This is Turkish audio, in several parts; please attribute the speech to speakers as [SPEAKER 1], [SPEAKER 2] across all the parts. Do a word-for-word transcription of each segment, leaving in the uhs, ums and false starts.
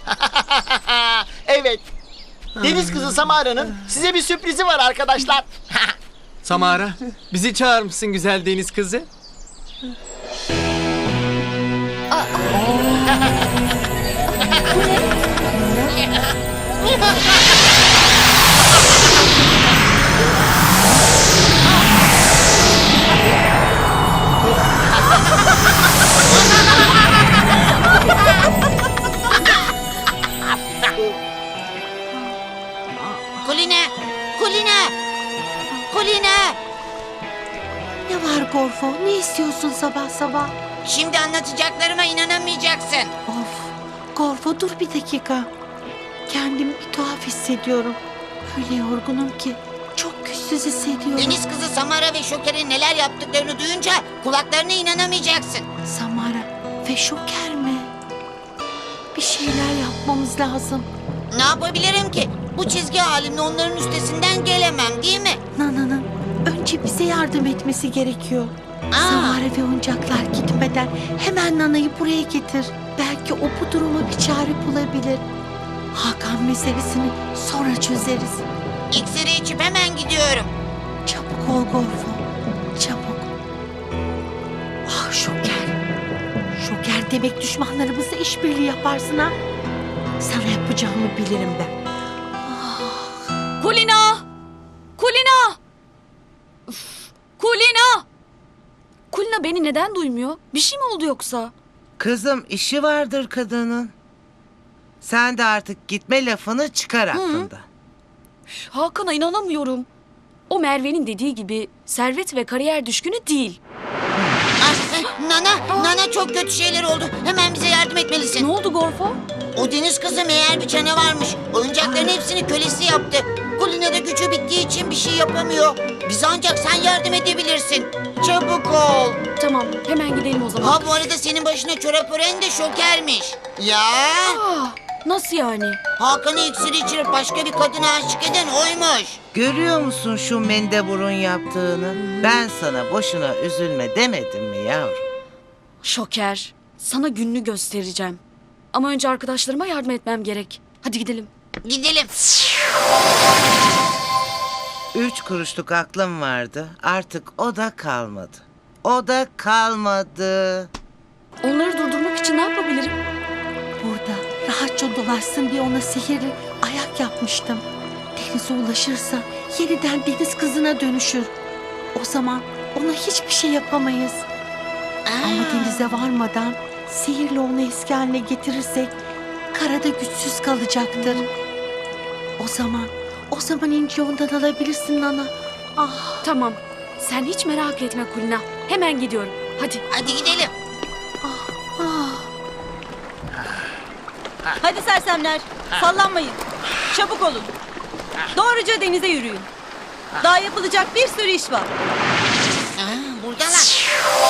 [SPEAKER 1] Evet. Deniz kızı Samara'nın size bir sürprizi var arkadaşlar.
[SPEAKER 2] Samara, bizi çağırır mısın güzel deniz kızı?
[SPEAKER 3] Kulina! Kulina! Kulina!
[SPEAKER 4] Ne var Gorfo? Ne istiyorsun sabah sabah?
[SPEAKER 3] Şimdi anlatacaklarıma inanamayacaksın.
[SPEAKER 4] Of, Gorfo dur bir dakika. Kendimi bir tuhaf hissediyorum. Öyle yorgunum ki çok güçsüz hissediyorum.
[SPEAKER 3] Deniz kızı Samara ve Şoker'in neler yaptıklarını duyunca kulaklarına inanamayacaksın.
[SPEAKER 4] Samara ve Şoker mi? Bir şeyler yapmamız lazım.
[SPEAKER 3] Ne yapabilirim ki? Bu çizgi halimle onların üstesinden gelemem, değil mi?
[SPEAKER 4] Nana'nın önce bize yardım etmesi gerekiyor.
[SPEAKER 3] Aa.
[SPEAKER 4] Samara ve oyuncaklar gitmeden hemen Nana'yı buraya getir. Belki o bu duruma bir çare bulabilir. Hakan meselesini sonra çözeriz.
[SPEAKER 3] İksiri içip hemen gidiyorum.
[SPEAKER 4] Çabuk ol Gorfo. Çabuk. Ah Şoker. Şoker demek düşmanlarımızla işbirliği yaparsın ha. Sana yapacağımı bilirim ben.
[SPEAKER 5] Kulina! Kulina! Üf, Kulina! Kulina beni neden duymuyor? Bir şey mi oldu yoksa?
[SPEAKER 6] Kızım işi vardır kadının. Sen de artık gitme lafını çıkar aklında.
[SPEAKER 5] Hakan'a inanamıyorum. O Merve'nin dediği gibi servet ve kariyer düşkünü değil.
[SPEAKER 3] Ah, eh, Nana, Nana çok kötü şeyler oldu. Hemen bize yardım etmelisin.
[SPEAKER 5] Ne oldu Gorfo?
[SPEAKER 3] O deniz kızı meğer bir canavarmış. Oyuncakların hepsini kölesi yaptı. Kulina da gücü bittiği için bir şey yapamıyor. Bize ancak sen yardım edebilirsin. Çabuk ol.
[SPEAKER 5] Tamam, hemen gidelim o zaman.
[SPEAKER 3] Ha bu arada senin başına çorap ören de Şoker'miş. Ya
[SPEAKER 5] Aa, nasıl yani?
[SPEAKER 3] Hakan'ı iksiri içirip başka bir kadına aşık eden oymuş.
[SPEAKER 6] Görüyor musun şu mendeburun yaptığını? Ben sana boşuna üzülme demedim mi yavrum?
[SPEAKER 5] Şoker, sana gününü göstereceğim. Ama önce arkadaşlarıma yardım etmem gerek. Hadi gidelim.
[SPEAKER 3] Gidelim.
[SPEAKER 6] Üç kuruşluk aklım vardı. Artık o da kalmadı. O da kalmadı.
[SPEAKER 5] Onları durdurmak için ne yapabilirim?
[SPEAKER 4] Burada rahatça dolaşsın diye ona sihirli ayak yapmıştım. Denize ulaşırsa yeniden deniz kızına dönüşür. O zaman ona hiçbir şey yapamayız. Ama denize varmadan sihirle onu eski haline getirirsek karada güçsüz kalacaktır. O zaman, o zaman inci ondan alabilirsin Nana. Ah,
[SPEAKER 5] Tamam, sen hiç merak etme Kulina. Hemen gidiyorum. Hadi.
[SPEAKER 3] Hadi gidelim.
[SPEAKER 4] ah.
[SPEAKER 7] Hadi sersemler, sallanmayın. Çabuk olun. Doğruca denize yürüyün. Daha yapılacak bir sürü iş var.
[SPEAKER 3] Aa, buradalar.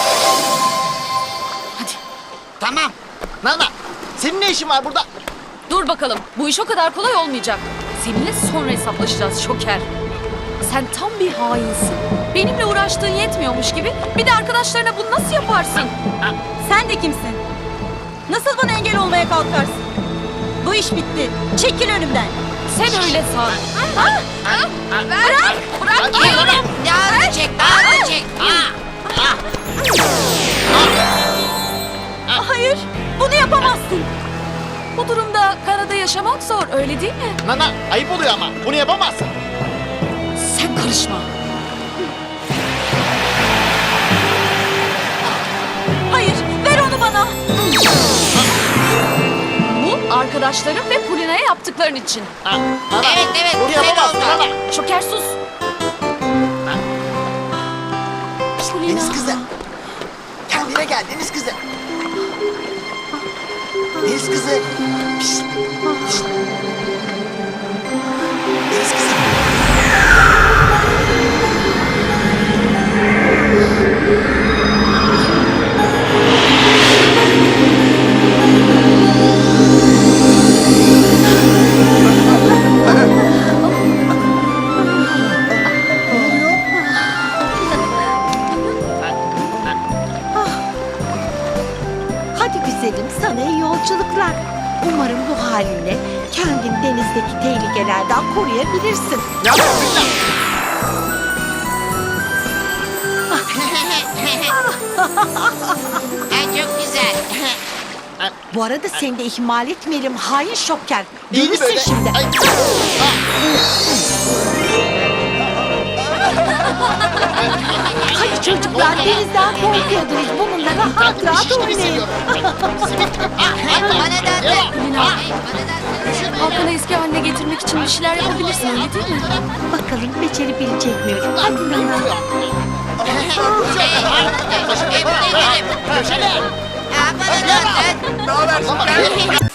[SPEAKER 5] Hadi.
[SPEAKER 3] Tamam.
[SPEAKER 1] Nana, senin ne işin var burada?
[SPEAKER 5] Dur bakalım. Bu iş o kadar kolay olmayacak. Seninle sonra hesaplaşacağız Şoker. Sen tam bir hainsin. Benimle uğraştığın yetmiyormuş gibi bir de arkadaşlarına bunu nasıl yaparsın?
[SPEAKER 7] Sen de kimsin? Nasıl bana engel olmaya kalkarsın? Bu iş bitti. Çekil önümden.
[SPEAKER 5] Sen öyle san.
[SPEAKER 3] Bırak. Bırak. Diyorum. Daha da çek. Daha da çek. Aa.
[SPEAKER 7] Hayır, bunu yapamazsın.
[SPEAKER 5] Bu durumda karada yaşamak zor, öyle değil mi?
[SPEAKER 1] Nana, ayıp oluyor ama. Bunu yapamazsın.
[SPEAKER 5] Sen karışma.
[SPEAKER 7] Hayır, ver onu bana.
[SPEAKER 5] Bu arkadaşlarım ve Kulina'ya yaptıkların için.
[SPEAKER 1] Ha, Nana,
[SPEAKER 3] Evet, evet,
[SPEAKER 1] bunu
[SPEAKER 3] güzel
[SPEAKER 1] yapamazsın
[SPEAKER 3] oldu.
[SPEAKER 1] Nana.
[SPEAKER 5] Şoker sus. Kulina.
[SPEAKER 1] Deniz kızı. Kendine gel deniz kızı. Deniz kızı. Pişt. Pişt. Deniz kızı.
[SPEAKER 4] Hadi güzelim, sana iyi yolculuklar. Umarım bu halinle kendini denizdeki tehlikelerden koruyabilirsin.
[SPEAKER 3] Ha, çok güzel.
[SPEAKER 4] Bu arada seni de ihmal etmeyelim hain şoker.
[SPEAKER 1] Değil
[SPEAKER 4] Görürsün
[SPEAKER 1] böyle.
[SPEAKER 4] şimdi.
[SPEAKER 1] Ay.
[SPEAKER 4] Hadi çocuklar denizden korkuyordunuz. Bununla rahat rahat oynayın.
[SPEAKER 3] Bana da
[SPEAKER 1] Devam.
[SPEAKER 5] Kulina,
[SPEAKER 3] Bana da
[SPEAKER 5] Hakan'ı eski haline getirmek için bir şeyler yapabilirsin öyle değil mi?
[SPEAKER 4] Bakalım becerebilecek miyim? Hadi Nana.
[SPEAKER 3] Köşede. Ha, bana da
[SPEAKER 1] Ne haber?